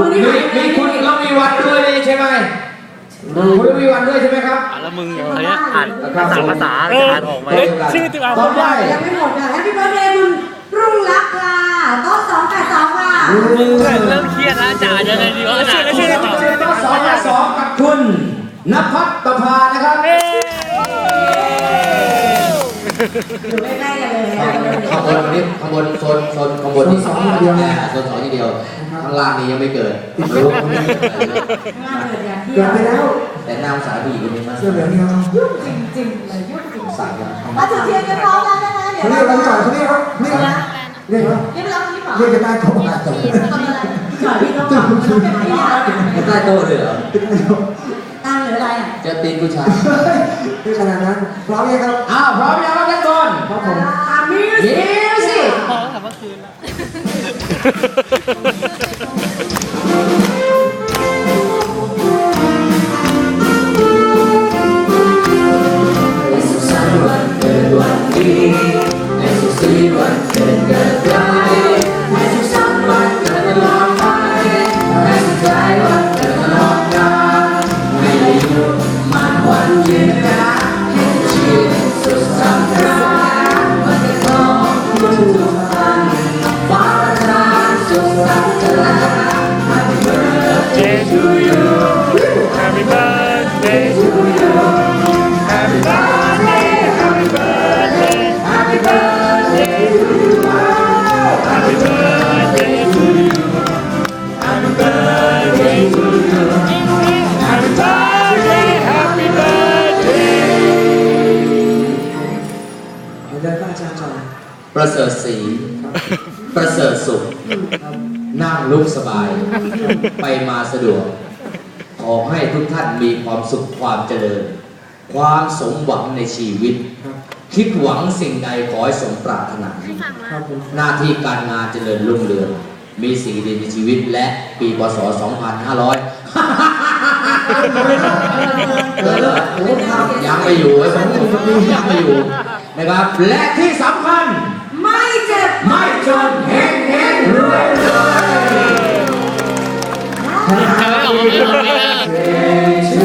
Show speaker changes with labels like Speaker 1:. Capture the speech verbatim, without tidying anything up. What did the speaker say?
Speaker 1: คุณนี่มีคุณเรามีวันด้วยใช่ไหมคุณมีวันด้วยใช่ไหมครับ
Speaker 2: แล้วมึงอย่างเงี้ยอ่านภาษาภาษาอ่านออกไหม
Speaker 3: ชื่อติดอ่าน
Speaker 1: ต่อไป
Speaker 4: ยังไม่หมดค่ะแฮปปี้เบิร์ดเดย์คุณรุ่งรักค่ะโต๊ะสองแปดสองค่ะ
Speaker 2: มึงเริ่มเครียดแล้วจ่ายังไงดีวะจ่า
Speaker 3: ชื่ออะไร
Speaker 1: เจอสองสองกับคุณณภัทรประภานะครับ
Speaker 4: อยู่ใกล้ๆกันเลย
Speaker 5: ข้างบนนี่ข้างบนโซนโซนข้างบนนี่สองทีเดียวโซนสองทีเดียวข้างล่างนี่ยังไม่เกิดรู้
Speaker 4: ข้างล่างเกิดอย่างที่
Speaker 3: เกิดไปแล้ว
Speaker 5: แต่หน้าสาดีคนนี้มาก
Speaker 3: เสื้อเหลืองนี่ครับ
Speaker 4: ยุ่งจริงๆเลยยุ่งจริง
Speaker 5: สายกัน
Speaker 4: ๆมาจุดเทียนกันพร้อมแล้วนะคะเดี๋ยว
Speaker 3: เขาเรียกอะไรก่อนเขาเรียกครับเรียกครับเรียกครับ
Speaker 4: เรียบร้อยนี่หรอ
Speaker 3: เรียกกันได้โต๊ะกันจบ
Speaker 4: ทำอะไรจอดพี่ต้องบอกต้องเป็นพยาน
Speaker 5: ไม่ใต้โต๊ะเลยเหรอ
Speaker 4: ตั้งหรืออะไรอ่ะ
Speaker 5: จะตีนผู้ชาย
Speaker 3: เรียกขนาดนั้นพร้อมยังครับ
Speaker 1: อ้าวพร้อมยังครับทุกคน
Speaker 3: ครับผม
Speaker 4: อามิวสิ
Speaker 1: มิวสิก
Speaker 2: พอแล้วเมื่อคืนแล้ว
Speaker 5: ในสุขสันต์วันเกิดวันดีในสุขสีวันเกิดเกิดใครในสุขสันต์วันเกิดตลอดไปในสุขใจวันเกิดตลอดกาลให้อายุมันวันยืนนานให้ชีวิตสุขสำราญวันเกิดของทุกท่านฟ้าประทานสุขสันต์เถิด Happy birthday to you
Speaker 2: Happy birthday to you Happy birthday Happy birthday Happy birthday to you Happy birthday to you Happy birthday to you Happy birthday Happy birthday
Speaker 3: เดินหน้าจานจอย
Speaker 5: ประเสริฐศรีประเสริฐสุข นั่งลุกสบาย ไปมาสะดวก ขอให้ทุกท่านมีความสุขความเจริญ ความสมหวังในชีวิต คิดหวังสิ่งใดขอให้สมปรารถนา
Speaker 3: ครับผม
Speaker 5: หน้าที่การงานเจริญรุ่งเรือง มีสิ่งดีในชีวิตและปีพศ สองพันห้าร้อย เกิดแล้วโอ้ครับยังไม่อยู่ไอ้ผมยังไม่อยู่นะครับ
Speaker 1: และที่สำคัญ
Speaker 4: ไม่เจ็บ
Speaker 1: ไม่จนเฮงเฮงรวยรวย
Speaker 2: ทำไมออกมาไม่ออกเลยนะ
Speaker 1: Day to